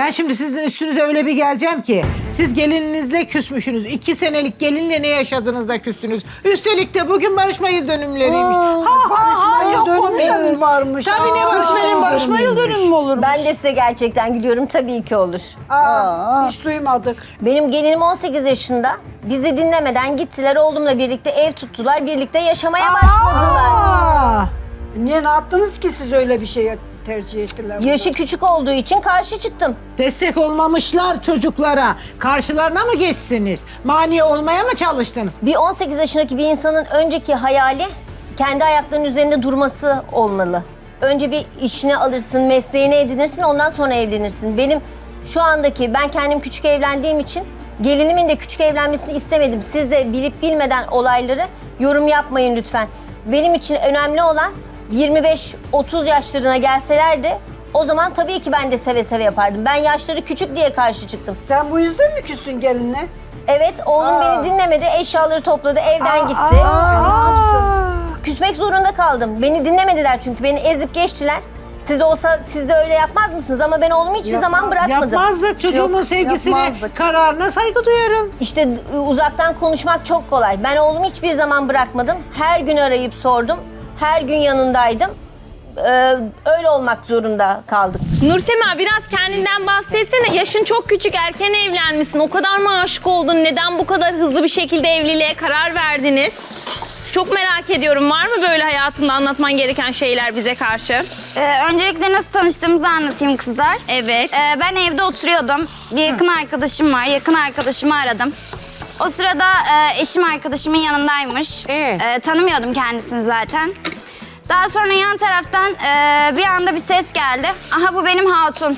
Ben şimdi sizin üstünüze öyle bir geleceğim ki siz gelininizle küsmüşsünüz. 2 senelik gelinle ne yaşadınız da küstünüz. Üstelik de bugün barışma yıl dönümleriymiş. Barışma yıl çok dönümü komik. varmış. Tabii ne var? Benim barışma yıl dönümü mü olur? Ben de size gerçekten gülüyorum. Tabii ki olur. Hiç duymadık. Benim gelinim 18 yaşında. Bizi dinlemeden gittiler. Oğlumla birlikte ev tuttular. Birlikte yaşamaya başladılar. Aa, Niye ne yaptınız ki siz öyle bir şeye tercih ettiler? Yaşı küçük olduğu için karşı çıktım. destek olmamışlar çocuklara. Karşılarına mı geçsiniz? Mani olmaya mı çalıştınız? Bir 18 yaşındaki bir insanın önceki hayali kendi ayaklarının üzerinde durması olmalı. Önce bir işini alırsın, mesleğini edinirsin, ondan sonra evlenirsin. Benim şu andaki, ben kendim küçük evlendiğim için gelinimin de küçük evlenmesini istemedim. Siz de bilip bilmeden olayları yorum yapmayın lütfen. Benim için önemli olan 25-30 yaşlarına gelselerdi o zaman tabii ki ben de seve seve yapardım. Ben yaşları küçük diye karşı çıktım. Sen bu yüzden mi küstün gelinle? Evet, oğlum beni dinlemedi, eşyaları topladı, evden gitti. Ne yapsın? Küsmek zorunda kaldım. Beni dinlemediler çünkü beni ezip geçtiler. Siz olsa siz de öyle yapmaz mısınız? Ama ben oğlumu hiçbir zaman bırakmadım. Yapmazdık. Çocuğumun Yok, sevgisine, yapmazdık. kararına saygı duyarım. İşte uzaktan konuşmak çok kolay. Ben oğlumu hiçbir zaman bırakmadım. Her gün arayıp sordum. Her gün yanındaydım. Öyle olmak zorunda kaldık. Nursema biraz kendinden bahsetsene. Yaşın çok küçük, erken evlenmişsin. O kadar mı aşık oldun? Neden bu kadar hızlı bir şekilde evliliğe karar verdiniz? Çok merak ediyorum. Var mı böyle hayatında anlatman gereken şeyler bize karşı? Öncelikle nasıl tanıştığımızı anlatayım kızlar. Evet. Ben evde oturuyordum. Bir yakın arkadaşım var. Yakın arkadaşımı aradım. O sırada eşim arkadaşımın yanındaymış. Tanımıyordum kendisini zaten. Daha sonra yan taraftan bir anda bir ses geldi. Aha bu benim hatun.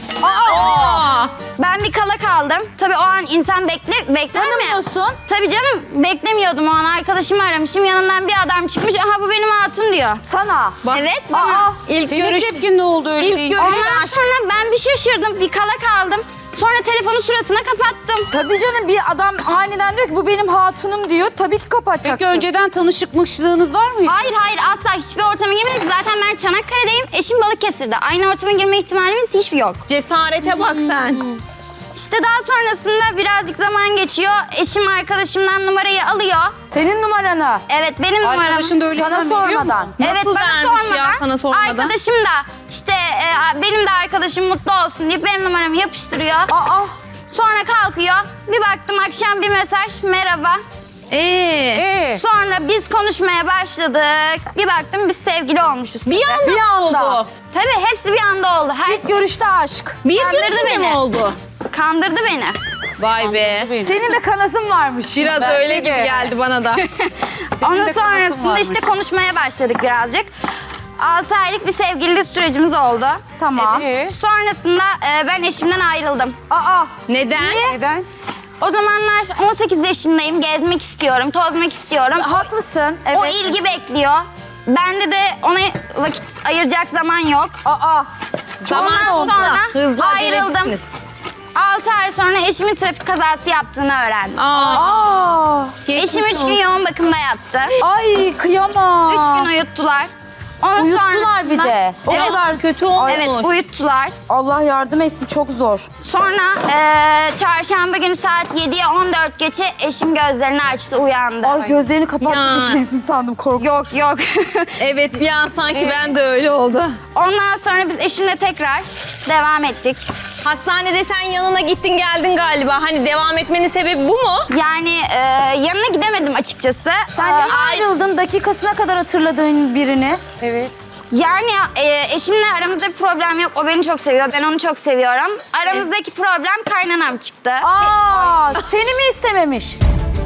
Aa! Ben bir kala kaldım. Tabii o an insan bekler mi? Tanımıyorsun. Tabii canım beklemiyordum o an. Arkadaşımı aramışım. Yanından bir adam çıkmış. Aha bu benim hatun diyor. Sana. Evet bana. İlk Senin görüş... tepkin ne oldu öyle İlk deyince? görüş- Ondan sonra ben bir şaşırdım. Bir kala kaldım. Sonra telefonu suratına kapattım. Tabii canım bir adam aniden diyor ki bu benim hatunum diyor. Tabii ki kapatacaksın. Peki önceden tanışıkmışlığınız var mıydı? Hayır asla hiçbir ortama girmedik. Zaten ben Çanakkale'deyim. Eşim Balıkesir'de. Aynı ortama girme ihtimalimiz hiçbir yok. Cesarete bak sen. İşte daha sonrasında birazcık zaman geçiyor. Eşim arkadaşımdan numarayı alıyor. Senin numaranı. Evet benim numaram. Arkadaşın da öyle Sana hemen veriyor mu? sormadan. Evet Nasıl bana vermiş sormadan. ya, sana sormadan? Arkadaşım da işte benim de arkadaşım mutlu olsun deyip benim numaramı yapıştırıyor. Aa. Sonra kalkıyor. Bir baktım akşam bir mesaj. Merhaba. Sonra biz konuşmaya başladık. Bir baktım biz sevgili olmuşuz. Bir anda, Bir anda. oldu. Tabii hepsi bir anda oldu. Her İlk görüşte aşk. Bir Kandırdı görüşme mi beni. oldu? kandırdı beni. Vay be. Senin de kanasın varmış. Biraz Bence öyle de. gibi geldi bana da. Ondan de kanasın sonrasında varmış. işte konuşmaya başladık birazcık. 6 aylık bir sevgililik sürecimiz oldu. Tamam. Sonrasında ben eşimden ayrıldım. Aa. Neden? Neden? O zamanlar 18 yaşındayım, gezmek istiyorum, tozmak istiyorum. Haklısın. Evet. O ilgi bekliyor. Bende de ona vakit ayıracak zaman yok. Aa. Zaman Ondan oldu. sonra Hızlı ayrıldım. acelecisiniz. 6 ay sonra eşimin trafik kazası yaptığını öğrendim. Aa. Eşim 3 gün yoğun bakımda yattı. Ay kıyamam. 3 gün uyuttular. Ondan Uyuttular bir sonrasında- de. O Evet, kadar Kötü olmuş. evet uyuttular. Allah yardım etsin çok zor. Sonra çarşamba günü saat 7'ye 14 geçe eşim gözlerini açtı, uyandı. Ay gözlerini kapattı Ya. diyeceksin sandım korktum. Yok. Evet bir an sanki ben de öyle oldu. Ondan sonra biz eşimle tekrar devam ettik. Hastanede sen yanına gittin geldin galiba. Hani devam etmenin sebebi bu mu? Yani yanına gidemedim açıkçası. Sen niye ayrıldın dakikasına kadar hatırladığın birini? Evet. Yani eşimle aramızda bir problem yok. O beni çok seviyor, ben onu çok seviyorum. Aramızdaki problem kaynanam çıktı. Aa, seni mi istememiş?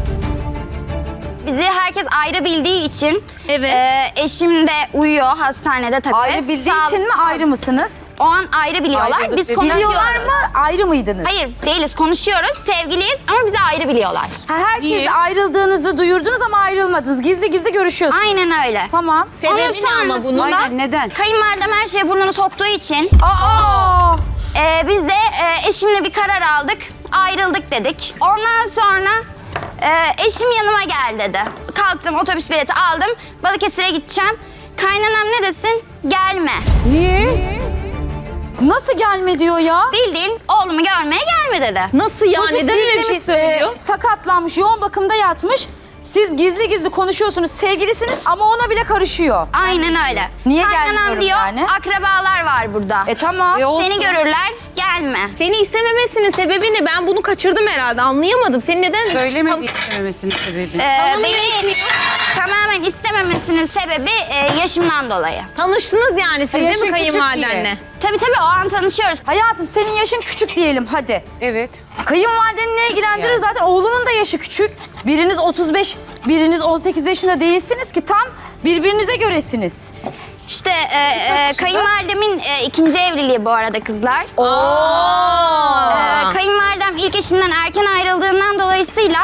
Bizi herkes ayrı bildiği için Evet. eşim de uyuyor hastanede tabii. Ayrı bildiği Sağ- için mi ayrı mısınız? O an ayrı biliyorlar. Ayrıldık Biz dedi. konuşuyoruz. Biliyorlar mı? Ayrı mıydınız? Hayır değiliz, konuşuyoruz. Sevgiliyiz ama bizi ayrı biliyorlar. Ha, herkes Niye? ayrıldığınızı duyurdunuz ama ayrılmadınız. Gizli gizli görüşüyorsunuz. Aynen öyle. Tamam. Sebebi ne ama bunun? sonrasında- Aynen neden? Kayınvalidem her şeye burnunu soktuğu için Aa! biz de eşimle bir karar aldık. Ayrıldık dedik. Ondan sonra eşim yanıma gel dedi. Kalktım, otobüs bileti aldım. Balıkesir'e gideceğim. Kaynanam ne desin? Gelme. Niye? Nasıl gelme diyor ya? Bildiğin oğlumu görmeye gelme dedi. Nasıl ya? Çocuk Neden öyle bir şey bildiğimiz, söylüyor? sakatlanmış, yoğun bakımda yatmış. Siz gizli gizli konuşuyorsunuz, sevgilisiniz ama ona bile karışıyor. Aynen öyle. Niye Kaynanan gelmiyorum diyor, yani? akrabalar var burada. Tamam. Seni görürler, gelme. Seni istememesinin sebebi ne? Ben bunu kaçırdım herhalde. Anlayamadım. Seni neden... Söylemedi istememesinin sebebi. Beni tamamen istememesinin sebebi yaşımdan dolayı. Tanıştınız yani siz değil Yaşın mi küçük kayınvalidenle? diye. Tabii o an tanışıyoruz. Hayatım senin yaşın küçük diyelim hadi. Evet. Kayınvalideni ne ilgilendirir? Yani. Zaten oğlunun da yaşı küçük. Biriniz 35, biriniz 18 yaşında değilsiniz ki tam birbirinize göresiniz. İşte kayınvalidemin ikinci evliliği bu arada kızlar. Kayınvalidem ilk eşinden erken ayrıldığından dolayısıyla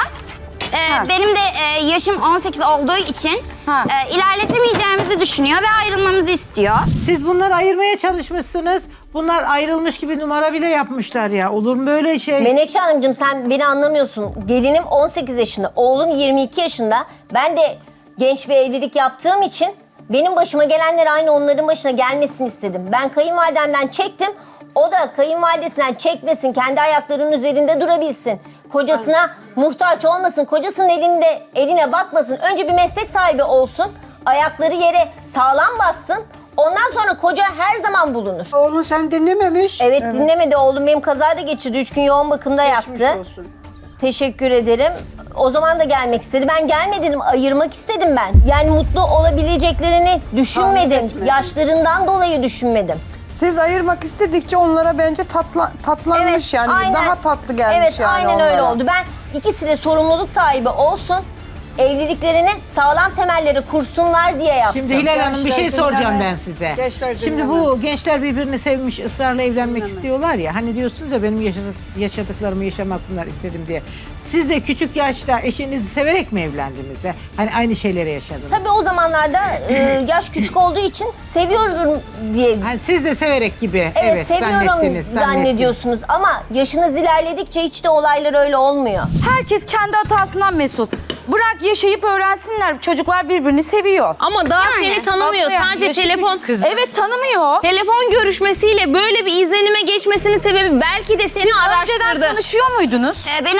benim de yaşım 18 olduğu için ilerletemeyeceğimizi düşünüyor ve ayrılmamızı istiyor. Siz bunları ayırmaya çalışmışsınız. Bunlar ayrılmış gibi numara bile yapmışlar ya. Olur mu böyle şey? Menekşe Hanımcığım sen beni anlamıyorsun. Gelinim 18 yaşında, oğlum 22 yaşında. Ben de genç bir evlilik yaptığım için benim başıma gelenler aynı onların başına gelmesini istedim. Ben kayınvalidemden çektim. O da kayınvalidesinden çekmesin, kendi ayaklarının üzerinde durabilsin. Kocasına muhtaç olmasın, kocasının eline bakmasın. Önce bir meslek sahibi olsun, ayakları yere sağlam bassın. Ondan sonra koca her zaman bulunur. Oğlun sen dinlememiş. Evet, dinlemedi oğlum, benim kazada geçirdi. 3 gün yoğun bakımda Geçmiş yattı. olsun. Teşekkür ederim. O zaman da gelmek istedi. Ben gelmedim, ayırmak istedim ben. Yani mutlu olabileceklerini düşünmedim. Tahmin etmedim. Yaşlarından dolayı düşünmedim. Siz ayırmak istedikçe onlara bence tatlanmış yani. aynen. Daha tatlı gelmiş evet, yani aynen onlara. öyle oldu. Ben ikisi de sorumluluk sahibi olsun, evliliklerini sağlam temellere kursunlar diye yaptım. Şimdi Hilal Hanım bir şey Gençler soracağım ben dinlemez. size. Gençler Şimdi bu dinlemez. gençler birbirini sevmiş, ısrarla evlenmek istiyorlar ya. Hani diyorsunuz ya benim yaşadıklarımı yaşamasınlar istedim diye. Siz de küçük yaşta eşinizi severek mi evlendiniz de? Hani aynı şeyleri yaşadınız. Tabii o zamanlarda yaş küçük olduğu için seviyorum diye. Hani siz de severek gibi Evet, seviyorum zannettiniz. zannediyorsunuz ama yaşınız ilerledikçe hiç de olaylar öyle olmuyor. Herkes kendi hatasından mesul. Bırak yaşayıp öğrensinler. Çocuklar birbirini seviyor. Ama daha seni tanımıyor. Tatlı yani, Sadece yaşı telefon... küçük kız. Evet tanımıyor. Telefon görüşmesiyle böyle bir izlenime geçmesinin sebebi belki de seni Siz önceden araştırdı. tanışıyor muydunuz? Beni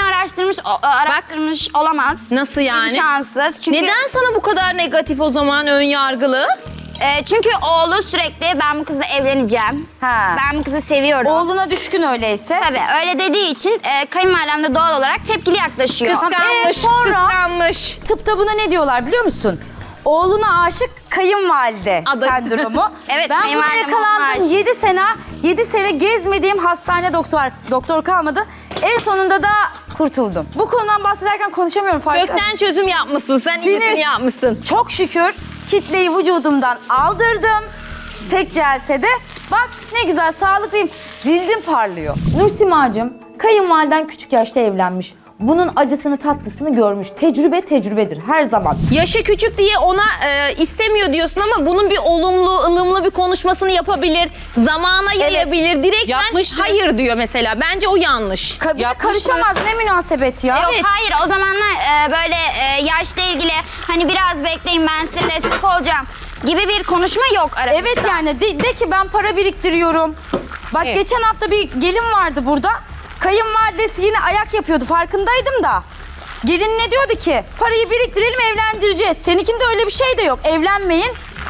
araştırmış olamaz. Nasıl yani? İmkansız. Çünkü, Neden sana bu kadar negatif o zaman, ön yargılı? Çünkü oğlu sürekli ben bu kızla evleneceğim. Ha. Ben bu kızı seviyorum. Oğluna düşkün öyleyse. Tabii öyle dediği için kayınvalidem de doğal olarak tepkili yaklaşıyor. Kıskanmış, sonra? kıskanmış. Tıpta buna ne diyorlar biliyor musun? Oğluna aşık kayınvalide Adı. sendromu. Evet, ben buna kayınvalidem oğluna yakalandım. aşık. 7 sene gezmediğim hastane doktor kalmadı. En sonunda da kurtuldum. Bu konudan bahsederken konuşamıyorum farkında. Kökten çözüm yapmışsın. Sen Sinir. iyisini yapmışsın. Çok şükür kitleyi vücudumdan aldırdım. Tek celsede. Bak ne güzel sağlıklıyım. Cildim parlıyor. Nursimacığım kayınvaliden küçük yaşta evlenmiş. Bunun acısını tatlısını görmüş. Tecrübe tecrübedir her zaman. Yaşı küçük diye ona istemiyor diyorsun ama bunun bir olumlu, ılımlı bir konuşmasını yapabilir. Zamana yayabilir. Direkten Yapmıştı. hayır diyor mesela. Bence o yanlış. Karışamaz ne münasebet ya. Yok Evet. hayır o zamanlar böyle yaşla ilgili hani biraz bekleyin ben size destek olacağım gibi bir konuşma yok aramızda. Evet yani de ki ben para biriktiriyorum. Bak Evet. geçen hafta bir gelin vardı burada. Kayınvalidesi yine ayak yapıyordu farkındaydım da. Gelin ne diyordu ki? Parayı biriktirelim evlendireceğiz. Seninkinde öyle bir şey de yok. Evlenmeyin.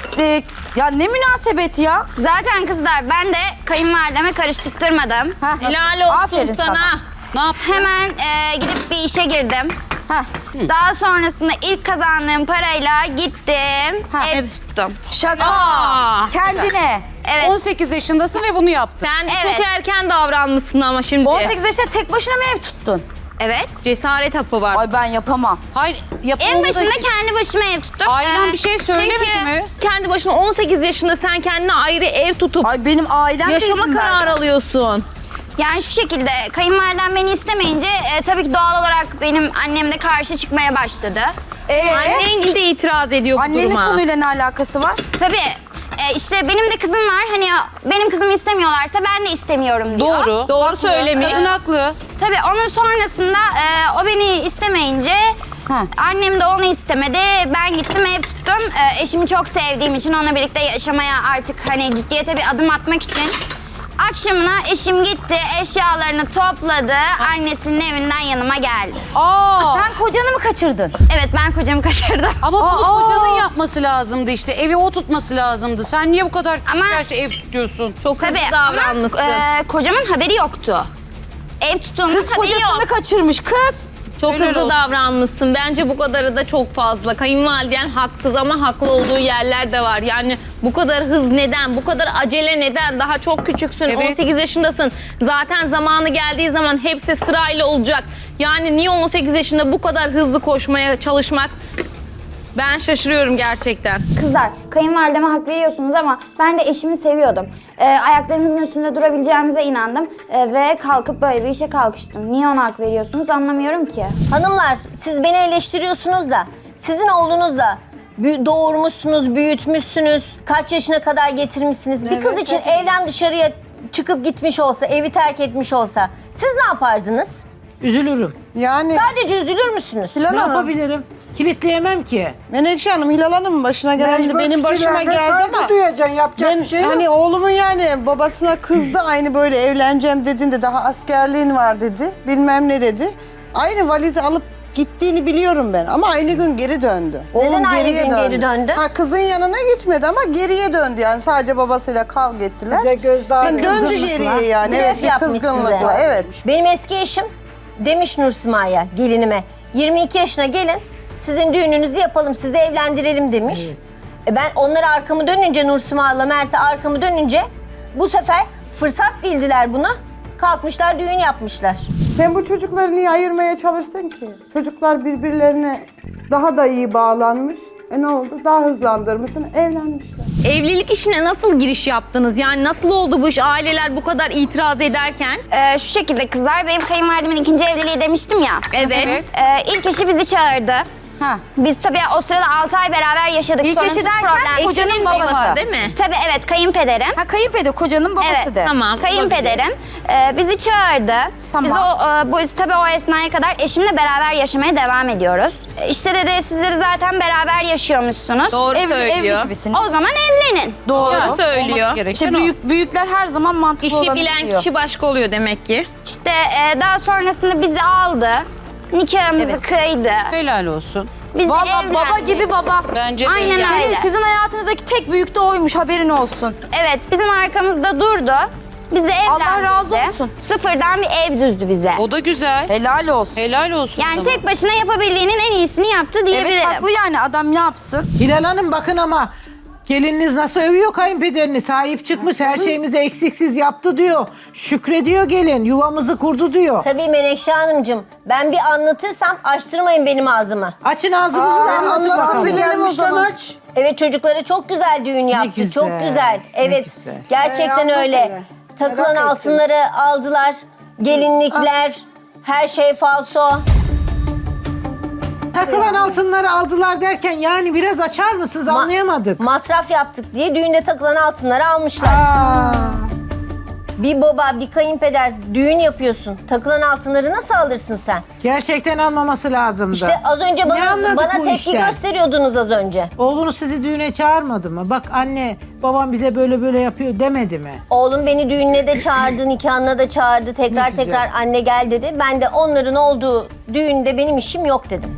Ya ne münasebet ya. Zaten kızlar ben de kayınvalideme karıştırtmadım. Heh. Helal olsun Aferin sana. Ne yaptın? Hemen gidip bir işe girdim. Heh. Daha sonrasında ilk kazandığım parayla gittim, Ha, ev evet. tuttum. Şaka. Aa. Kendine. Evet. 18 yaşındasın ve bunu yaptın. Sen Evet. çok erken davranmışsın ama şimdi. 18 yaşında tek başına mı ev tuttun? Evet. Cesaret hapı var. Ay ben yapamam. Hayır, En yapımında... başında kendi başıma ev tuttum. Ailen bir şey söylemedi çünkü mi? Kendi başına 18 yaşında sen kendine ayrı ev tutup Ay benim ailem de yaşama izin kararı verdi. alıyorsun. Yani şu şekilde kayınvalidem beni istemeyince tabii ki doğal olarak benim annem de karşı çıkmaya başladı. Annen de itiraz ediyor bu Annenin duruma. konuyla ne alakası var? Tabii işte benim de kızım var. Hani benim kızımı istemiyorlarsa ben de istemiyorum diyor. Doğru. Doğru Haklı. söylemiyor. Kadın haklı. Tabii onun sonrasında o beni istemeyince Ha. annem de onu istemedi. Ben gittim ev tuttum. Eşimi çok sevdiğim için onunla birlikte yaşamaya artık hani ciddiyete bir adım atmak için Akşamına eşim gitti, eşyalarını topladı, annesinin evinden yanıma geldi. Aa, Sen kocanı mı kaçırdın? Evet, ben kocamı kaçırdım. ama bunu kocanın yapması lazımdı işte. Evi o tutması lazımdı. Sen niye bu kadar Ama- gerçi ev tutuyorsun? Çok hızlı Tabii ama davranmışsın. kocamın haberi yoktu. Ev tuttuğunun Kız haberi yok. kocasını kaçırmış kız. Çok Öyle hızlı oldu. davranmışsın. Bence bu kadarı da çok fazla. Kayınvaliden haksız ama haklı olduğu yerler de var. Yani bu kadar hız neden? Bu kadar acele neden? Daha çok küçüksün. Evet. 18 yaşındasın. Zaten zamanı geldiği zaman hepsi sırayla olacak. Yani niye 18 yaşında bu kadar hızlı koşmaya çalışmak? Ben şaşırıyorum gerçekten. Kızlar, kayınvalideme hak veriyorsunuz ama ben de eşimi seviyordum. Ayaklarımızın üstünde durabileceğimize inandım ve kalkıp böyle bir işe kalkıştım. Niye ona hak veriyorsunuz anlamıyorum ki. Hanımlar siz beni eleştiriyorsunuz da sizin oğlunuz da doğurmuşsunuz, büyütmüşsünüz, kaç yaşına kadar getirmişsiniz. Bir kız için evden dışarıya çıkıp gitmiş olsa, evi terk etmiş olsa siz ne yapardınız? Üzülürüm. Yani Sadece üzülür müsünüz? Hilal Ne Hanım, yapabilirim? Kilitleyemem ki. Menekşe Hanım, Hilal Hanım'ın başına gelen de Mecbur benim başıma fikirlerine geldi saygı ama duyacaksın, yapacak ben bir şey yok. hani oğlumun yani babasına kızdı, aynı böyle evleneceğim dediğinde daha askerliğin var dedi. Bilmem ne dedi. Aynı valizi alıp gittiğini biliyorum ben ama aynı gün geri döndü. Oğlum aynı geriye gün geri döndü? Ha, kızın yanına gitmedi ama geriye döndü yani, sadece babasıyla kavga ettiler. Size gözdağı Yani döndü kızgınlıkla. geriye yani, Blöf evet, bir yapmış kızgınlıkla, size. evet. Benim eski eşim demiş Nursima'ya, gelinime 22 yaşına gelin sizin düğününüzü yapalım, sizi evlendirelim demiş. Ben onlara arkamı dönünce, Nursima'la Mert'e arkamı dönünce bu sefer fırsat bildiler bunu. Kalkmışlar düğün yapmışlar. Sen bu çocukları niye ayırmaya çalıştın ki? Çocuklar birbirlerine daha da iyi bağlanmış. Ne oldu? Daha hızlandırmışsın, evlenmişler. Evlilik işine nasıl giriş yaptınız? Yani nasıl oldu bu iş? Aileler bu kadar itiraz ederken. Şu şekilde kızlar, benim kayınvalidemin ikinci evliliği demiştim ya. Evet. İlk eşi bizi çağırdı. Ha. Biz tabii o sırada 6 ay beraber yaşadık. İlk Sonrasız eşi derken problem. kocanın Eşinin babası. babası değil mi? Tabii evet, kayınpederim. Ha kayınpeder kocanın babası Evet, de. Tamam. Kayınpederim bizi çağırdı. Tamam. Biz tabii o esnaya kadar eşimle beraber yaşamaya devam ediyoruz. İşte dedi, sizleri zaten beraber yaşıyormuşsunuz. Doğru Evli söylüyor. gibisiniz. O zaman evlenin. Doğru. Doğru söylüyor. Olması gereken İşte o. büyükler her zaman mantıklı İşi olanı bilen diyor. kişi başka oluyor demek ki. İşte daha sonrasında bizi aldı. Nikahımızı Evet. kıydı. Helal olsun. Biz de Vallahi baba evlendik. gibi baba. Bence de Aynen yani. öyle. Sizin hayatınızdaki tek büyük de oymuş, haberin olsun. Evet, bizim arkamızda durdu. Biz de evlendik. Allah razı de. olsun. Sıfırdan bir ev düzdü bize. O da güzel. Helal olsun. Helal olsun. Yani adama. tek başına yapabildiğinin en iyisini yaptı diyebilirim. Evet haklı yani, adam ne yapsın? Hilal Hanım bakın ama gelininiz nasıl övüyor kayınpederini. Sahip çıkmış, her şeyimizi eksiksiz yaptı diyor. Şükrediyor gelin, yuvamızı kurdu diyor. Tabii Menekşe Hanımcığım, ben bir anlatırsam açtırmayın benim ağzımı. Açın ağzınızı da anlatın Allah'ım bakalım. bilelim o Gelmişten zaman. aç. Evet, çocuklara çok güzel düğün yaptı. güzel, Çok güzel. ne Evet. güzel. Gerçekten anlat öyle. hele. Takılan Merak altınları aldılar. Gelinlikler, her şey falso. Takılan altınları aldılar derken yani biraz açar mısınız, anlayamadık. Masraf yaptık diye düğünde takılan altınları almışlar. Bir baba, bir kayınpeder düğün yapıyorsun. Takılan altınları nasıl alırsın sen? Gerçekten almaması lazımdı. İşte az önce Ne anladık bana bu tepki işten? gösteriyordunuz az önce. Oğlunuz sizi düğüne çağırmadı mı? Bak anne, babam bize böyle böyle yapıyor demedi mi? Oğlum beni düğününe de çağırdı, nikahına da çağırdı. Tekrar Ne güzel. tekrar anne gel dedi. Ben de onların olduğu düğünde benim işim yok dedim.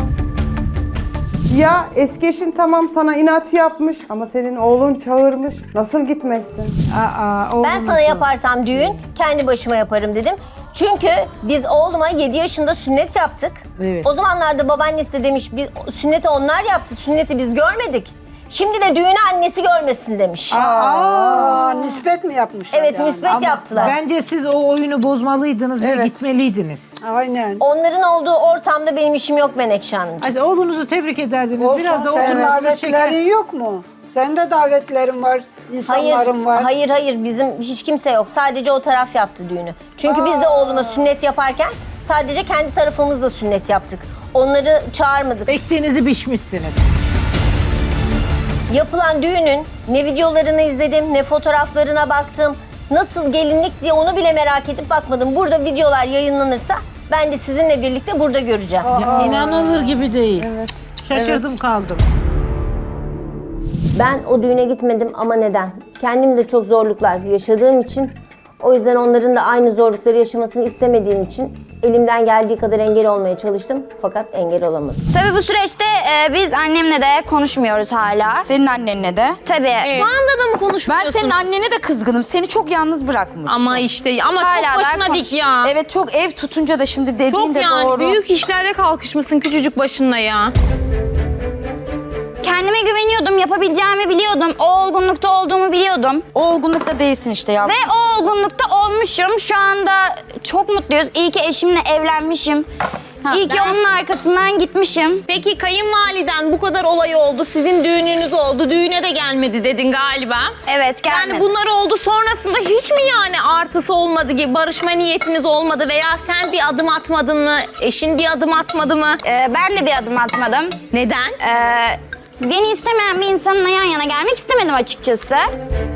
Ya eski eşin tamam sana inat yapmış ama senin oğlun çağırmış. Nasıl gitmezsin? Ben oğlunuzun. sana yaparsam düğün, kendi başıma yaparım dedim. Çünkü biz oğluma 7 yaşında sünnet yaptık. Evet. O zamanlarda babaannesi de demiş, sünneti onlar yaptı, sünneti biz görmedik. Şimdi de düğünü annesi görmesin demiş. Nispet mi yapmışlar Evet, yani? nispet yaptılar. Bence siz o oyunu bozmalıydınız ve Evet. gitmeliydiniz. Aynen. Onların olduğu ortamda benim işim yok Menekşe Hanımcığım. Ay, oğlunuzu tebrik ederdiniz. Olsun, Biraz da senin oğlunuzu davetlerin çeker. yok mu? Senin de davetlerin var, insanların var. Hayır bizim hiç kimse yok. Sadece o taraf yaptı düğünü. Çünkü biz de oğluma sünnet yaparken sadece kendi tarafımızla sünnet yaptık. Onları çağırmadık. Ektiğinizi biçmişsiniz. Yapılan düğünün ne videolarını izledim, ne fotoğraflarına baktım. Nasıl gelinlik diye onu bile merak edip bakmadım. Burada videolar yayınlanırsa ben de sizinle birlikte burada göreceğim. Ya, inanılır gibi değil. Evet. Şaşırdım kaldım. Ben o düğüne gitmedim ama neden? Kendim de çok zorluklar yaşadığım için O yüzden onların da aynı zorlukları yaşamasını istemediğim için elimden geldiği kadar engel olmaya çalıştım. Fakat engel olamadım. Tabii bu süreçte biz annemle de konuşmuyoruz hala. Senin annenle de. Tabii. Şu anda da mı Ben konuşmuyorsun? senin annene de kızgınım. Seni çok yalnız bırakmış. Ama işte ama Hala çok daha başına dik ya. Evet, çok ev tutunca da şimdi dediğin Çok de yani doğru. büyük işlerle kalkışmışsın küçücük başına ya. Kendime güveniyordum, yapabileceğimi biliyordum. O olgunlukta olduğumu biliyordum. O olgunlukta değilsin işte yavrum. Ve o olgunlukta olmuşum. Şu anda çok mutluyuz. İyi ki eşimle evlenmişim. İyi ki onun arkasından gitmişim. Peki kayınvaliden bu kadar olay oldu, sizin düğününüz oldu, düğüne de gelmedi dedin galiba. Evet, gelmedi. Yani bunlar oldu sonrasında hiç mi yani artısı olmadı gibi barışma niyetiniz olmadı veya sen bir adım atmadın mı, eşin bir adım atmadı mı? Ben de bir adım atmadım. Neden? Beni istemeyen bir insanla yan yana gelmek istemedim açıkçası.